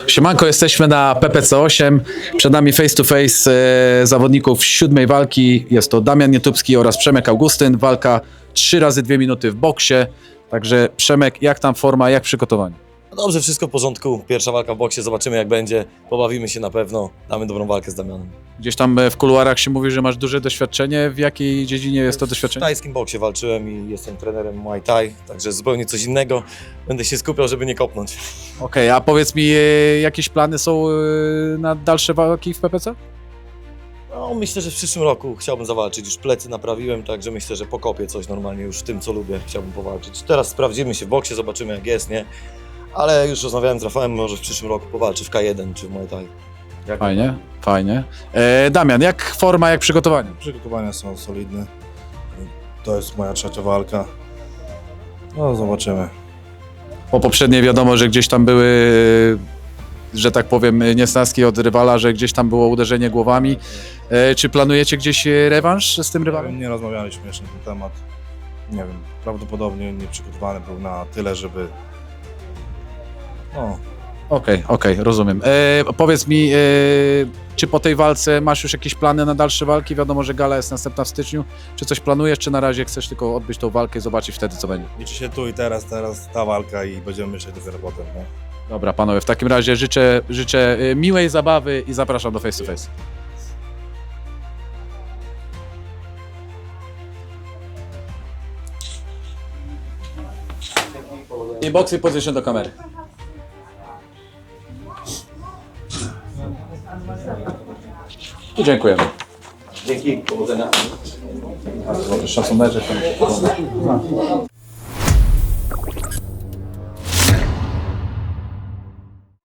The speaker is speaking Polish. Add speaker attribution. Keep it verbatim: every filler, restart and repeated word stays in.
Speaker 1: Siemanko, jesteśmy na P P C osiem. Przed nami face to face e, zawodników siódmej walki. Jest to Damian Nietubski oraz Przemek Augustyn. Walka trzy razy dwie minuty w boksie. Także Przemek, jak tam forma, jak przygotowanie?
Speaker 2: No dobrze, wszystko w porządku. Pierwsza walka w boksie, zobaczymy jak będzie. Pobawimy się na pewno, damy dobrą walkę z Damianem.
Speaker 1: Gdzieś tam e, w kuluarach się mówi, że masz duże doświadczenie. W jakiej dziedzinie jest to
Speaker 2: W
Speaker 1: doświadczenie?
Speaker 2: tajskim boksie walczyłem i jestem trenerem Muay Thai, także zupełnie coś innego. Będę się skupiał, żeby nie kopnąć.
Speaker 1: Okej, a powiedz mi, e, jakieś plany są e, na dalsze walki w P P C?
Speaker 2: No, myślę, że w przyszłym roku chciałbym zawalczyć. Już plecy naprawiłem, także myślę, że pokopię coś normalnie już w tym, co lubię. Chciałbym powalczyć. Teraz sprawdzimy się w boksie, zobaczymy jak jest, nie? Ale już rozmawiałem z Rafałem, może w przyszłym roku powalczy w K jeden czy w Muay Thai. Jak
Speaker 1: Fajnie, fajnie. E, Damian, jak forma, jak przygotowanie?
Speaker 3: Przygotowania są solidne. To jest moja trzecia walka. No zobaczymy.
Speaker 1: Po poprzedniej wiadomo, że gdzieś tam były, że tak powiem, niesnaski od rywala, że gdzieś tam było uderzenie głowami. E, Czy planujecie gdzieś rewanż z tym rywalem?
Speaker 3: Nie rozmawialiśmy jeszcze na ten temat. Nie wiem, prawdopodobnie nie przygotowany był na tyle, żeby... No,
Speaker 1: Okej, okej, rozumiem. E, powiedz mi, e, czy po tej walce masz już jakieś plany na dalsze walki? Wiadomo, że gala jest następna w styczniu. Czy coś planujesz, czy na razie chcesz tylko odbyć tą walkę i zobaczyć wtedy, co będzie?
Speaker 3: liczy się tu i teraz, teraz ta walka i będziemy myśleć dopiero potem. Nie?
Speaker 1: Dobra, panowie, w takim razie życzę, życzę e, miłej zabawy i zapraszam do face to face. I boxy position do kamery. I dziękujemy.
Speaker 2: Dzięki, powodzenia.
Speaker 1: Bardzo dobry szacunek, że to mi się podoba.